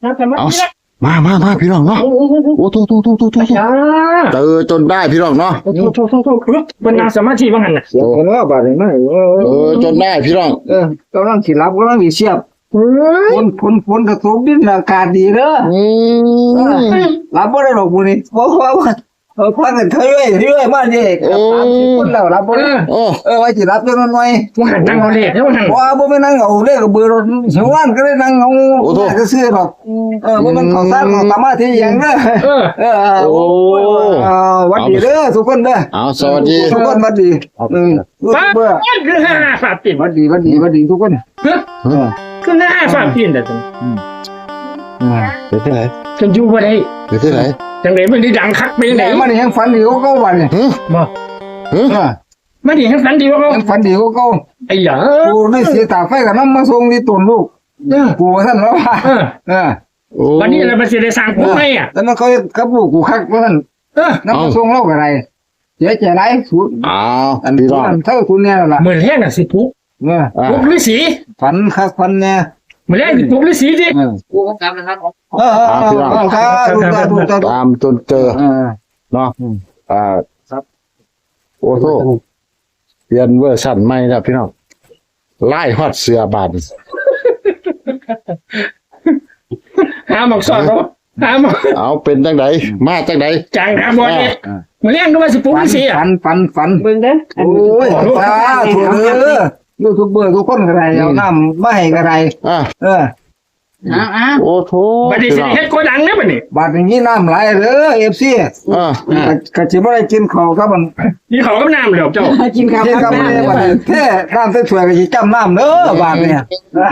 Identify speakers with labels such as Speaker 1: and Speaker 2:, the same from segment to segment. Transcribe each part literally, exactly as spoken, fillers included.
Speaker 1: เอามามามาพี่น้องเนาะโอ้โตโตโตโตโตเจอจนได้พี่น้องเนาะ
Speaker 2: โทษโทษโทษโทษเป็นนางสมาธิบ้างหันน่ะ
Speaker 3: เสียคนว่าบาดนี้ไม่เออ
Speaker 1: เออจนได้พี่น้อง
Speaker 3: เออกำลังสิรับกำลังสิเสียบฝนฝนฝนกระทบดินอากาศดีเด้อ
Speaker 1: อืม
Speaker 3: รับบ่ได้หรอกมื้อนี้เพราะว่าเออพักกันเถอยเรื่อยมานี่กับสามสิบคนแล้วรับบ่ได้
Speaker 1: โอ้
Speaker 3: เออไว้สิรับจังหน่อย
Speaker 2: ว่าหันนั่งเอาเลขแล้วว่าหัน
Speaker 3: ว่าบ่แม่นนั่งเอาเลขเบอร์รถเสียงว่านก็ได้นั่งเอาก็ซื้อดอกเออบ่แม่นเข้าซ่านเข้าสมาธิหยังเด้อ
Speaker 2: เออ
Speaker 3: เออโอ้วัดดีเด้อทุกคนเด้อ
Speaker 1: เอาสวัสดี
Speaker 3: ทุกคนวัดดีอืม
Speaker 2: ป้า
Speaker 3: เบื่อ
Speaker 2: คือห้าฝาปิ่น
Speaker 3: วัดดีวัดดีวัดดีทุกคน
Speaker 2: คือห้าฝาปิ่นแต่จัง
Speaker 1: เป็นที่ไหน
Speaker 2: จังอยู่บ่ได้
Speaker 1: เป็นที่ไหน
Speaker 2: จังได๋มันได้ดังคักไปจัง
Speaker 3: ไหน
Speaker 2: ได๋
Speaker 3: มันยังฝันดีก็เก่าวันเนี่ย
Speaker 1: ฮึ
Speaker 2: บ่
Speaker 1: ฮึ
Speaker 2: มันดีทั้งสันดีว่าเขา
Speaker 3: ยังฝันดีก็เก่า
Speaker 2: ไอ้หยา
Speaker 3: กูได้เสียตาไฟกับน้ำมาส่งที่ตุนลูก
Speaker 2: เออ
Speaker 3: กูท่านว่า
Speaker 2: เออ
Speaker 3: เออ
Speaker 1: โอ้
Speaker 2: วันนี้เราไปสิได้สร้างภูมิให้อ่ะ
Speaker 3: แล้วมันเขากับลูกกูคักว่าท่าน
Speaker 2: เออ
Speaker 3: น้ำมาส่งเล่าอะไรเสียใจไรสุด
Speaker 1: เอา
Speaker 3: อัน
Speaker 1: พี่
Speaker 3: นี้
Speaker 1: น้อง
Speaker 3: เท่าคุณเนี่ยล่ะ
Speaker 2: เหมือนแห้งน่ะสิปุ๊ก
Speaker 3: เออ
Speaker 1: อ่า
Speaker 2: ปุ๊กฤาษี
Speaker 3: ฝันคักฝันเนี่ย
Speaker 2: เหมือนแห้งสิปุ๊กฤาษีดิ
Speaker 3: เออ
Speaker 4: กูก็กลับนะครับ
Speaker 3: เออเออเออครับดูตาดูตา
Speaker 1: ตามจนเจอ
Speaker 3: เออ
Speaker 1: เนาะอ่า
Speaker 3: ครับ
Speaker 1: โอ้โหเปลี่ยนเวอร์ชันใหม่แล้วพี่น้องไล่ฮอดเสือบาน
Speaker 2: หาหมอกสอดเขาหาหมอก
Speaker 1: เอาเป็นจังไดมาจังได
Speaker 2: จังหาบ่เนี่ยเหมือนแห้งก็ว่าสิปุ๊กฤาษีอ่ะ
Speaker 3: ฝันฝันฝัน
Speaker 4: เบิ่งเด้อ
Speaker 3: โอ้ยตาถูกเออยูทูบเบอร์ทุกคนก็ได้เอาน้ำไม่ให้ก็ได้
Speaker 1: อ่ะ
Speaker 3: เออ
Speaker 4: อ้าวอ้าว
Speaker 1: โอ้โถ
Speaker 2: บัดนี้สิได้เฮ็ดโกดังเด้อบัดนี้
Speaker 3: บาดอย่างนี้น้ำไหลเด้อเอฟซี
Speaker 1: อ่ะ
Speaker 3: ก็จะไม่ได้กินข้าวครับมัน
Speaker 2: นี่เขาก็น้ำแล้วเจ้า
Speaker 4: กินข้าว
Speaker 3: กิน
Speaker 4: ค
Speaker 3: กั
Speaker 4: รั
Speaker 3: บบ มันบาดแท้น้ำสวยๆก็จะจำน้ำเด้อบาดเนี่ย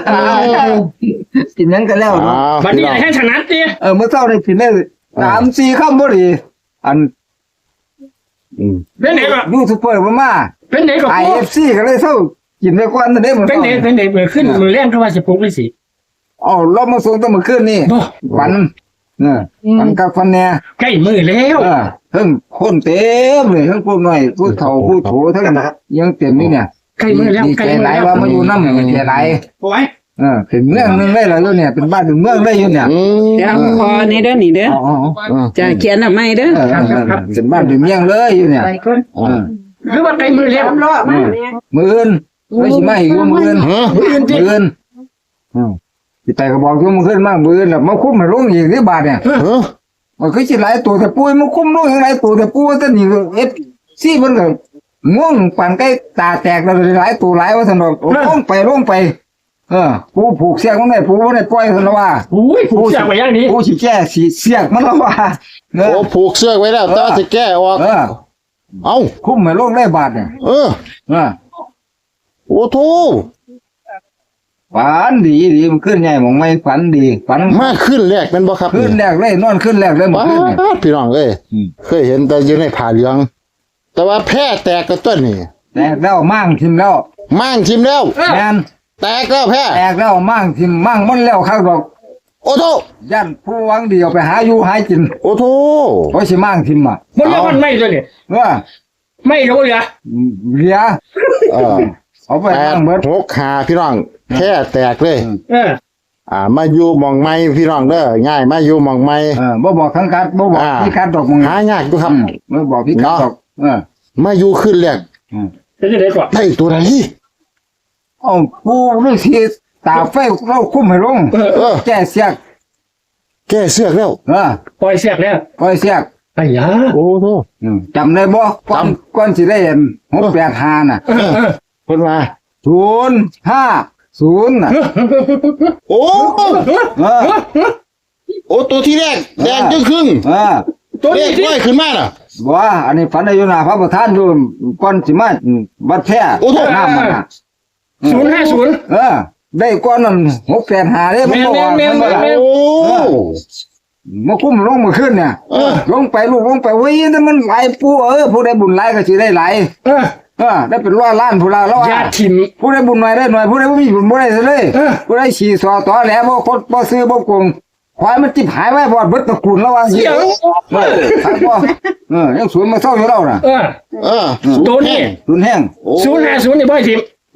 Speaker 3: กินยังกันแล้ว
Speaker 1: อ้าว
Speaker 2: บัด
Speaker 1: พี่
Speaker 2: นี้
Speaker 1: น้อง
Speaker 2: ให้ถนัดดิ
Speaker 3: เออเมื่อเช้าได้กินได้สามสี่คำบ่ดีอัน
Speaker 1: อืม
Speaker 2: เป็นไหนก็
Speaker 3: ยูทูบเบอร์มา
Speaker 2: เป็นไหนก็
Speaker 3: ไอ
Speaker 2: ปุ๊
Speaker 3: เอก ฟซีก็เลยเศร้ากินไปก่อนนั่นเด้มัน
Speaker 2: เป็นไหนเป็นไหนเมื่อขึ้นมือแรงก็ว่าสิปุ๊กฤาษี
Speaker 3: อ๋อเรามาส่งตั้งเมื่อคืนนี่
Speaker 2: บ่
Speaker 3: ฝันเออฝันกับฝันเนี่ย
Speaker 2: ใกล้มือแล้ว
Speaker 3: เออทั้งคนเต็มเลยทั้งพวกน้อยผู้เฒ่าผู้โถทั้งนั้นยังเต็มนี่เนี่ย
Speaker 2: ใกล้มือแล้ว
Speaker 3: ดี
Speaker 2: ใกล้
Speaker 3: ใจ
Speaker 2: มือ
Speaker 3: หลาย
Speaker 2: แล้ว
Speaker 3: ว่ามาอยู่น้ำดีใจหลาย
Speaker 2: โอ้ย
Speaker 3: เออเป็นเมืองหนึงเลยล่ะอยู่เนี่ยเป็นบ้านเป็นเมืองเลยอยู่เนี่ย
Speaker 1: อืม
Speaker 4: เดี๋ยวพอนี่เด้อนี่เด้อ
Speaker 3: อ๋ออ๋อ
Speaker 1: อ่ะ
Speaker 4: จะเขียนเอาไม่เด้อ
Speaker 3: เออเออเออเป็นบ้านเป็นเมืองเลยอยู่เนี่ย
Speaker 4: ไปก่อน
Speaker 3: เออ
Speaker 2: หรือว่าใกล้มือแล้ว
Speaker 4: รอมาเนี่ย
Speaker 3: มืออื่นไม่ใช่ไม่อยู่มืออื่น
Speaker 1: ฮะ
Speaker 2: มืออื่น
Speaker 3: มื
Speaker 2: ดิ
Speaker 3: ออื่นอืมพี่แต่ก็บอกอยู่มืออื่นมากมืออื่นแล้วมาคุ้มมาลงอีกที่บาทเนี่ย
Speaker 1: ฮะ
Speaker 3: มันคือสิหลายตัวแต่ปุ้ยมันคุ้มลงอย่างไรตัวแต่ปุ้ยแต่นี่เอฟซีมันก็ง่วงปานใกล้ตาแตกแล้วหลายตัวหลายว่าสนอกลงไปลงไป เออผู้ผูกเสียกมันได้ผู้บ่ได้ปล่อยสนว่า
Speaker 2: อุ้ยผูกเสียกไว้อย่างนี้
Speaker 3: ผู้สิแก้สีเสียกมันแล้วว่าเออ
Speaker 1: โอ้ผูกเสื้อไว้แล้วแต่ว่าจะแก้ออก
Speaker 3: เออ
Speaker 1: เอ้า
Speaker 3: คุ้มไม่ลงได้บาทเนี่ย
Speaker 1: เออ
Speaker 3: เออ
Speaker 1: โอ้โถ
Speaker 3: ฝันดีดีมันขึ้นใหญ่หมองไม่ฝันดีฝัน
Speaker 1: มาขึ้นแรกเป็นบ่ครับ
Speaker 3: ขึ้นแรกเลยนอนขึ้นแรกเลยหมด
Speaker 1: ว้า
Speaker 3: ขึ้นเนี่ย
Speaker 1: วพี่น้องเอ้ย
Speaker 3: อืม
Speaker 1: เคยเห็นแต่อยู่ในผ้าเหลือง แต่ว่าแพร่แตกกระต้นนี่
Speaker 3: แตกแล้วมั่งทิมแล้ว
Speaker 1: มั่งทิมแล้ว
Speaker 3: แมน
Speaker 1: แตกแล้วแพร่
Speaker 3: แตกแล้วมั่งทิมมั่งมันแล้วข้างดอก
Speaker 1: โอ้โถ
Speaker 3: ย่านผู้หวังดีเอาไปหาอยู่หากิน
Speaker 1: โอ้โถ
Speaker 3: เพราะสิมั่งทิมอ่ะ
Speaker 2: มันเรียกมันไม่ตัวนี่
Speaker 3: ว่า
Speaker 2: ไม่รู้เหรอ
Speaker 3: เหลีย
Speaker 1: เออ
Speaker 3: เอาไป
Speaker 1: แป
Speaker 3: มั่
Speaker 1: ด
Speaker 3: งเบิด
Speaker 1: หกขาพี่น้องแพร่แตกเลย
Speaker 2: เออ
Speaker 1: อ่า มาอยู่หมองไม้พี่น้องเด้อง่ายมาอยู่หมองไม้
Speaker 3: เออบ่บอกทั้งกัดบ่บอก
Speaker 1: อ่า
Speaker 3: พี่กัดดอกมึง
Speaker 1: หายากอยู่ครับ
Speaker 3: อืมบ่บอกพี่กัดดอกเออ
Speaker 1: มาอยู่ขึ้นแรก
Speaker 3: อืม
Speaker 2: จะจะได้ก่อน
Speaker 1: ได้ตัวไหน
Speaker 3: เอาผู้ฤาษีตาไฟเราคุ้มให้ลง
Speaker 2: เออ
Speaker 1: เออ
Speaker 3: แก้เสียก
Speaker 1: แก้เสื้อกแล้ว
Speaker 3: เออ
Speaker 2: ปล่อยเสียกแล้ว
Speaker 3: ปล่อยเสียก
Speaker 2: ไอ้ยา
Speaker 1: โอ้โถ
Speaker 3: อืมจำได้บ่ก่อนก่อนสิได้เห็นหกแปดห้าน่ะ
Speaker 2: เออเออ
Speaker 1: เพิ่นว่า
Speaker 3: ศูนย์ห้าศูนย์น่ะ
Speaker 1: โอ้
Speaker 3: เออ
Speaker 1: โอ้ตัวที่แรกแดงจึงครึ่ง
Speaker 3: เออ
Speaker 2: ตัว
Speaker 1: เล
Speaker 2: นี้
Speaker 1: ข
Speaker 2: ที่
Speaker 1: ร้อยขึ้นมาน่ะ
Speaker 3: บ่ว่าอันนี้ฝันได้อยู่หน้าพระประธานอยู่ก่อนสิมาบัดแท้
Speaker 1: โอ้โห
Speaker 3: น้ำมันน่ะ
Speaker 2: ศูนย์ห้าศูนย์
Speaker 3: เออ ได้ก่อนนั้นหกแปดห้าเด้มันบ่ว่า
Speaker 2: แม่นๆๆๆ
Speaker 3: มันว่า
Speaker 1: โอ้
Speaker 3: มาคุ้มลงมาขึ้นเนี่ย
Speaker 1: เออ
Speaker 3: ลงไปลูกลงไปเว้ยแต่มันหลายผู้เออผู้ใดบุญหลายก็สิได้หลาย
Speaker 2: เออ
Speaker 3: เออได้เป็นร้อยล้านผู้ละร้อย
Speaker 2: ญาติถิ่น
Speaker 3: ผู้ใดบุญน้อยได้หน่อยผู้ใดบ่มีบุญบ่ได้ซะเลย
Speaker 2: เออ
Speaker 3: ผู้ใดฉี่สอตอแหลบ่คดบ่ซื้อบ่โกงควายมันจิบหายไว้บ่เบิดตระกูลแล้วว่า
Speaker 2: เสียง
Speaker 3: เออครับบ่เออยังสวนมาเศร้าอยู่แล้วน่ะ
Speaker 2: เออ
Speaker 1: เออ
Speaker 2: ตัวนี้
Speaker 3: รุนแห้ง
Speaker 1: โอ้
Speaker 2: ศูนย์ห้าศูนย์นี่บ่อยถิ่น
Speaker 3: บ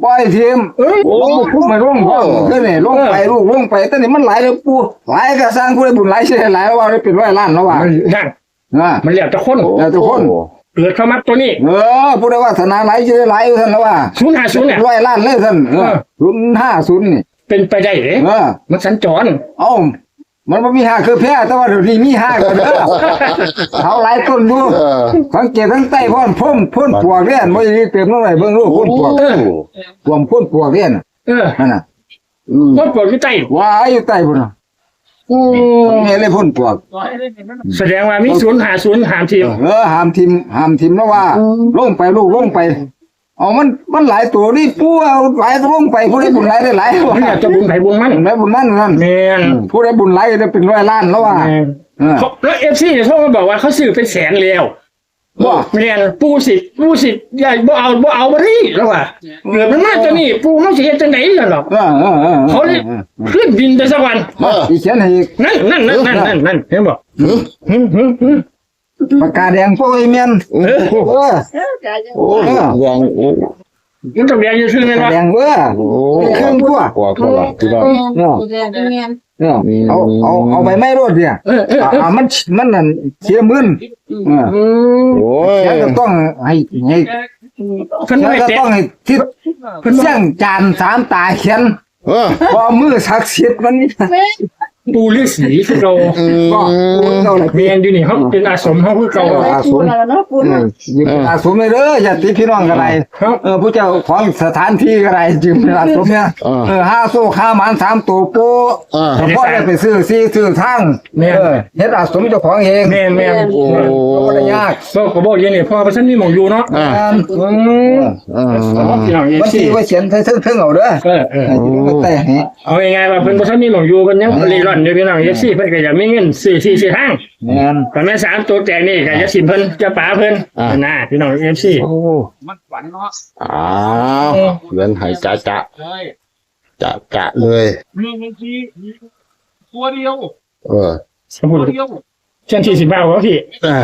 Speaker 3: ปล่อยทีม
Speaker 2: เอ้ย
Speaker 3: ลงพุ่งไปลงพ่อขึ้นนี่ลงไปลูกลงไปแต่นี่มันหลายแล้วปูหลายก็สร้างผู้ใดบุญหลายเสียหลายว่าได้เป็นร้อยล้านแล้วว่า
Speaker 2: มันนั่น
Speaker 3: อ่า
Speaker 2: มันเหลียวตะคน
Speaker 3: แล้วทุกคน
Speaker 2: เกิดเข้ามาตัวนี้
Speaker 3: เออผู้ใดว่าธนาหลายสิได้หลายอยู่ท่านแล้วว่า
Speaker 2: ศูนย์ห้าศูนย์เนี่ย
Speaker 3: ร้อยล้านเลยท่านเออศูนย์ห้าศูนย์นี่
Speaker 2: เป็นไปได้เหรอ
Speaker 3: เออ
Speaker 2: มันสัญจร
Speaker 3: เอ้ามันบ่มีห้าคือแพ้แต่ว่าเดี๋ยวนี้มีห้าก็เด้อเขาหลายต้นดู
Speaker 1: เออ
Speaker 3: สังเกตทั้งใต้พ่นพ่นพ่นปวกเนี่ยบ่ได้เติมน้ำไหลเบิ่งลูกพ่นปวก
Speaker 2: เออ
Speaker 3: รวมพ่นปวกเนี่ยน่ะ
Speaker 2: เออ
Speaker 3: นั่นน่ะ
Speaker 1: อืม
Speaker 2: ต้นปวดที่ใจ
Speaker 3: ว่าอยู่ใต้พุ่นน่ะนี่เลยพ่นปวก
Speaker 2: แสดงว่ามีศูนย์หาศูนย์หามทีม
Speaker 3: เออห้ามทิมห้ามทิมแล้วว่าลงไปลูกลงไปเอามันมันหลายตัวนี่ปูเอาหลายตัวลงไปผู้ใดบุญหลายได้หลาย
Speaker 2: มันอยากจะบุญไผ่บุญมัน
Speaker 3: บุญไหนบุญนั่นนั่น
Speaker 2: แมน
Speaker 3: ผู้ใดบุญหลายได้เป็นร้อยล้านแล้วว่า
Speaker 2: แมน
Speaker 3: เออ
Speaker 2: เขาแล้วเอฟซีเนี่ยเขามาบอกว่าเขาซื้อเป็นแสนแล้ว
Speaker 3: บ่
Speaker 2: แมนปูสิปูสิอย่าบ่เอาบ่เอาบ่ได้แล้วว่าเหลือมันมากตัวนี้ปูเขาสิเฮ็ดจังได๋ล่ะหรอก
Speaker 3: เออเออเออ
Speaker 2: เขาเลยขึ้นดินไปสักวัน
Speaker 1: เออ
Speaker 3: อีเขียนให้อีก
Speaker 2: นั่นนั่นนั่นนั่นนั่นนั่นเห็นบ่
Speaker 1: หือ
Speaker 2: หึหึหึ
Speaker 3: ปากกาแดงพวกไอ้เมียน
Speaker 1: โอ้
Speaker 3: เออ
Speaker 1: โหยังโอ้
Speaker 2: มันต้องแดงอยู่ซื่อแม่น
Speaker 3: ปาก
Speaker 2: บ่
Speaker 3: กาแดงเว้อ
Speaker 1: โห
Speaker 3: เครื่องตัว
Speaker 1: กว่าเขาละพี่น้อง
Speaker 3: เนาะเนาะเอาเอาเอาไปไม่รถเนี่ย
Speaker 2: เออเออ
Speaker 3: อ่าอ่ามันมันนั่นเสียมื่นเออ
Speaker 2: อืม
Speaker 1: โอ้ย
Speaker 3: แล้วก็ต้องให้ให้
Speaker 2: เพิ่น
Speaker 3: แล้ว
Speaker 2: ไม่
Speaker 3: ก็
Speaker 2: เตะ
Speaker 3: ต้องให้ทิศเสียงจานสามตาเขียน
Speaker 1: เออ
Speaker 3: พอมือศักดิ์สิทธิ์มันนี่
Speaker 2: ปูฤาษีคือเรา
Speaker 1: อืม
Speaker 3: ก็ปูเก่าเลย
Speaker 2: เมียนอยู่นี่เขาเป็นอาสมเขาคือเก่า
Speaker 3: อาสมเออยืมอาสมเลยเด้อญาติพี่น้องกันไร
Speaker 2: ครับ
Speaker 3: เออผู้เจ้าของสถานที่กันไรยืมอาสมเนี่ยเออห้าโซ่ห้าหมันสามตัวโป้
Speaker 1: เออ
Speaker 3: แต่พ่อได้ไปซื้อซีซื้อทางเออเฮ็ดอาสมเจ้าของเอง
Speaker 2: แม่นแม่น
Speaker 1: โอ้
Speaker 3: ก็ได้ยาก
Speaker 2: บอกก็บอกอยังนี่พ่อประชันมีหมองอยู่เนาะ
Speaker 1: อ่า
Speaker 3: อืม
Speaker 2: อืม
Speaker 1: เออ
Speaker 2: พี่น้องเอฟ
Speaker 3: มัน
Speaker 2: ซี
Speaker 3: สิว่าเขียนเทิงๆเอาเด้อ
Speaker 2: เออเออ
Speaker 3: ให้ยืมแต่ให้
Speaker 2: เอายังไงว่าเพิ่นประชันมีหมองอยู่เพิ่นยังรีร่อนอยู่พี่น้องเอฟซีเพิ่นก็อยากมีเงินซื้อที่ซื้อทาง
Speaker 3: แม่น
Speaker 2: แต่แม่สามตัวแจกนี่ก็จะสิมเพิ่นจะป๋าเพิ่นนะพี่น้องเอฟซี
Speaker 1: โอ้
Speaker 4: มันฝันเนาะ
Speaker 1: อ้าวเงินหายจะจะ
Speaker 4: เฮ้ย
Speaker 1: จะจะเลย
Speaker 4: มีเงินทีตัวเดียว
Speaker 1: เออ
Speaker 2: สมมุติ
Speaker 4: ตัวเดียว
Speaker 2: เช่นที่สิบ่าวว่าพี่
Speaker 1: เออ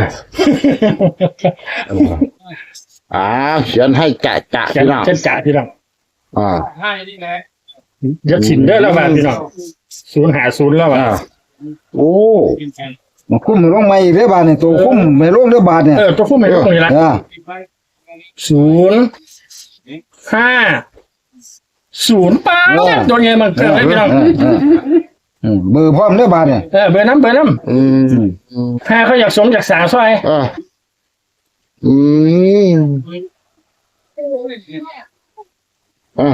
Speaker 1: อ้าวเขียนให้จะจะ
Speaker 2: จะ
Speaker 1: พี่น้อง
Speaker 2: จะจ่าพี่น้อง
Speaker 1: อ่า
Speaker 4: ให้นี่แหละ
Speaker 2: จะสินเด้อแล้วว่าพี่น้องศูนย์หาศูนย์แล้วว่า
Speaker 1: อ่าโอ้
Speaker 3: มันคุ้มลงมาอีกเด้อบาดนี่ตัวคุ้มไม่ลงเด้อบาดเนี่ย
Speaker 2: เออตัวคู่ไม่รู้ตรงนี้ละ
Speaker 3: เออ
Speaker 2: ศูนย์ห้าศูนย์ป้าโดนไงมันเกิดอะไรพี่น้อง
Speaker 3: เออเอออืมเบอร์พร้อมเด้อบาดเนี่ย
Speaker 2: เออเบอร์น้ำเบอร์น้
Speaker 1: อืม
Speaker 2: ำห้าเขาอยากสมจากสาวซอย
Speaker 1: อ่าอืมอ่า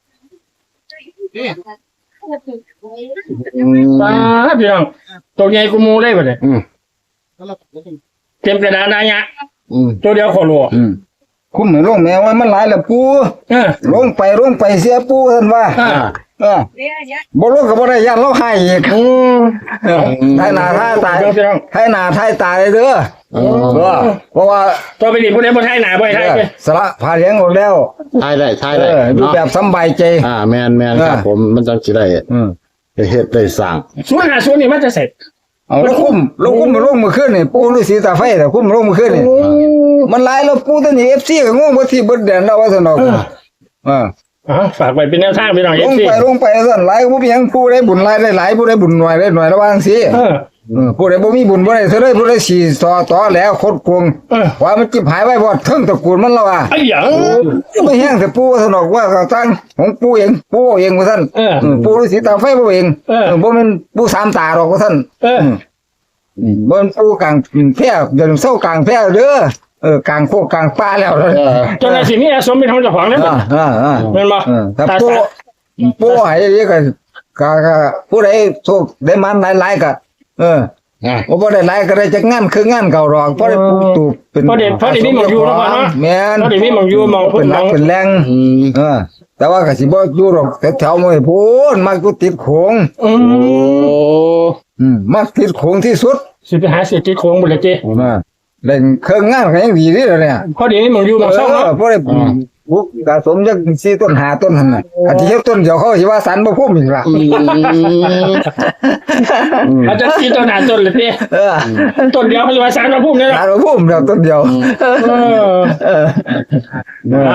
Speaker 2: ป้าพี่น้องตัวใหญ่กูมูได้ป่ะเนี่ย
Speaker 1: อืม
Speaker 2: เต็มกระดานนายะ
Speaker 1: อืม
Speaker 2: ตัวเดียวขอรัว
Speaker 3: อืมคุ้มไม่ลงแม้ว่ามันหลายแล้วปู
Speaker 2: เออ
Speaker 3: ลงไปลงไปเสียปูท่านว่า
Speaker 2: อ่า
Speaker 3: เออบ่ลงก็บ่ได้ยันเราให้อีก
Speaker 2: อืม
Speaker 3: เออให้หน้าให้ตาย
Speaker 2: เดี๋ยวพี่น้อง
Speaker 3: ให้หน้าให้ตายเลยเด้อ
Speaker 1: เอ
Speaker 3: เอ
Speaker 1: อ
Speaker 3: อเพราะว่า
Speaker 2: ตัวไปดิผู้ใดบ่ไทยหนาบ่ไทยไป
Speaker 3: สละพาเลี้ยงออกแล้ว
Speaker 1: ทายได้ทาย
Speaker 3: เอ
Speaker 1: ได้
Speaker 3: อดู
Speaker 1: เนาะ
Speaker 3: แบบสำบายใจ
Speaker 1: อ่าแมนแมนครับ
Speaker 3: เออ
Speaker 1: ผมมันจังสิได้
Speaker 3: อืม
Speaker 1: เฮ็ดได้สร้าง
Speaker 2: ศูนย์หาศูนย์นี่มันจะเสร็จ
Speaker 3: เอาแล้วคุ้มแล้วคุ้มมาลงมือขึ้นนี่ปูฤาษีตาไฟแต่คุ้มมาลงมือขึ้นนี่มันหลายแล้วปูตัวนี้ เอฟ ซี ก็งงบ่ที่เบิดแดนแล้วว่าซั่นดอกเออ
Speaker 2: อ๋อฝากไว้เป็นแนวทางพี่น้อง
Speaker 3: ล
Speaker 2: เอง ฟซี
Speaker 3: ไปลงไปซั่นหลายก็บ่มีหยังผู้ใดบุญหลายได้หลายผู้ใดบุญน้อยได้น้อยระวังสิ
Speaker 2: เออ
Speaker 3: เออผู้ใดบ่มีบุญบ่ได้เท่าใดผู้ใดสิต่อต่อแล้วคดโกง
Speaker 2: เออ
Speaker 3: ว่ามันจิบหายไว้บ่เทิงตระกูลมันแล้วว่า
Speaker 2: ไอ้หยัง
Speaker 3: ไม่แห้งแต่ปู่ซั่นดอกว่าเขาตั้งของปู่เองปู่เองว่าซั่น
Speaker 2: เออ
Speaker 3: เออปู่ฤาษีตาไฟบ่เอง
Speaker 2: เออ
Speaker 3: เออบ่แม่นปู่สามตาดอกว่าซั่น
Speaker 2: เออ
Speaker 3: อืมบ่แม่นปู่กลางแพร่เดินเศร้ากลางแพร่เด้อเออกลางโคกกลางป่าแล้วเด้อ
Speaker 1: เออ
Speaker 2: จนในสิ่งนี้สมเป็นของเจ้าของแล้ว
Speaker 3: อ่าอ่าอ่า
Speaker 2: เป็นบ่
Speaker 3: เออถ้า
Speaker 2: ตา
Speaker 3: ปู่
Speaker 2: สา
Speaker 3: ปู่ให้ดีก็ก็ก็ผู้ใดโชคได้มันหลายๆก็เออ
Speaker 1: อ่ะ
Speaker 3: ว่าบ่ได้หลายก็ได้จักงานคืองานเก่าดอกเพราะได้ปลูกตูบเป็น
Speaker 2: เพราะเด็กเพราะเด็กนี่หมองอยู่แล้วก่อนเนาะ
Speaker 3: แม่น
Speaker 2: เพราะเด็กนี่หมองอยู่หมอง
Speaker 3: เป็นหลักเป็นแรง
Speaker 1: อืม
Speaker 3: เออ แต่ว่าก็สิบ่อยู่หรอกแถวๆมื้อพูนมักอยู่ติดโขง
Speaker 2: อื
Speaker 1: โอ้
Speaker 2: ม
Speaker 3: อืมมักติดโขงที่สุด
Speaker 2: สิไปหาเสียจิตโค้งบุญเลยเจ้
Speaker 3: นะเล่นเครื่องงานก็ยังดีนี่แหละเนี่ย
Speaker 2: เพราะเด็กนี่หมองอยู่หมองเศร้าเนาะ
Speaker 3: เออบ่ได้ปลูกกะสมจักสี่ต้นห้าต้นหั่นน่ะอันที่เฮ็ดต้นเดียวเขาสิว่าสันบ่พุ่มอีกล่ะ
Speaker 1: อืม
Speaker 2: อาจจะตีต้นหาต้นเลยพี่
Speaker 3: เออ
Speaker 2: ต้นเดียวเขาจะมาสารมาพุ่มเนี่ย
Speaker 3: สารบ่พุ่มเดียวต้นเดียว
Speaker 2: เออ
Speaker 3: เออ
Speaker 2: นะ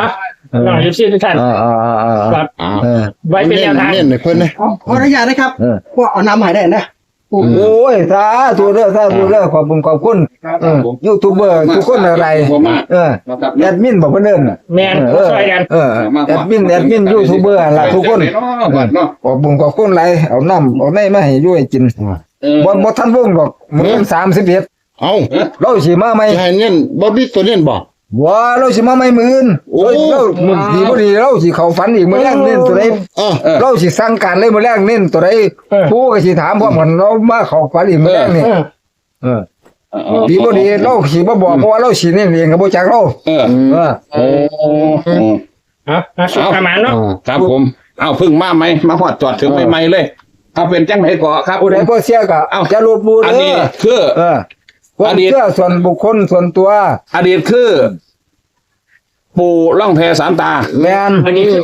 Speaker 2: น้องยูซี่ทุกท่าน
Speaker 3: อ่าอ่าอ่าอ่า
Speaker 2: ครับ
Speaker 1: อ่า
Speaker 3: เออ
Speaker 2: ไว้เป็นแนวทาง
Speaker 1: เน้นๆให้เพิ่นนะ
Speaker 5: ขอขออนุญาตนะครับ
Speaker 3: เออ
Speaker 5: พวกเอาน้ำใหม่ได้นะ
Speaker 3: โอ้ยสาธุเด้อสาธุเด้อขอบคุณขอบคุณเออยูทูบเบอร์ทุกคนอะไรเออแอดมินบอกเพิ่นเอิ้นน่ะ
Speaker 2: แมน
Speaker 3: เออ
Speaker 2: ช่วยกัน
Speaker 3: เออแอดมินแอดมินยูทูบเบอร์ล่ะทุกคน
Speaker 4: บัดเนาะ
Speaker 3: ขอบคุณขอบคุณหลายเอาน้ำเอาในมาให้อยู่ให้กิน
Speaker 4: เออ
Speaker 3: บ่บ่ทันวงดอกมื้อสามสิบเอ็ด
Speaker 1: เอ้า
Speaker 3: เราสิมาใหม่
Speaker 1: จะให้เน้นบ่มีตัวเน้นบ่
Speaker 3: ว่าเราสิมาใหม่มื้ออื่น
Speaker 1: โอ้
Speaker 3: เรามื้อดีบ่ดีเราสิเข้าฝันอีกมื้อแรกเน้นตัวใด
Speaker 1: เออ
Speaker 3: เราสิสั่งการเลยมื้อแรกเน้นตัวใดผู้ก็สิถามพร้อมกันเรามาเข้าฝันอีกมื้อแรกนี่
Speaker 2: เออ
Speaker 3: เออดีบ่ดีเราสิบ่บอกเพราะว่าเราสิเน้นเองก็บ่จักเรา
Speaker 4: เออ
Speaker 3: เออ
Speaker 4: โอ้
Speaker 2: เอาเอาสุขประมาณเนาะ
Speaker 4: ครับผมเอาพึ่งมาไหมมาหอดจอดถึงใหม่ๆเลยเอาเป็นจังไหนก่อครับ
Speaker 3: ผู้ใดบ่เสียก็
Speaker 4: เอ้า
Speaker 3: จะลบหลู่
Speaker 4: อัน
Speaker 3: เด้
Speaker 4: นี้
Speaker 3: อ
Speaker 4: คือ
Speaker 3: เออความ
Speaker 4: อดีต
Speaker 3: เชื่อส่วนบุคคลส่วนตัว
Speaker 4: อดีตคือ ปู่ล่องแพสามตา
Speaker 3: แม่น
Speaker 2: อันนี้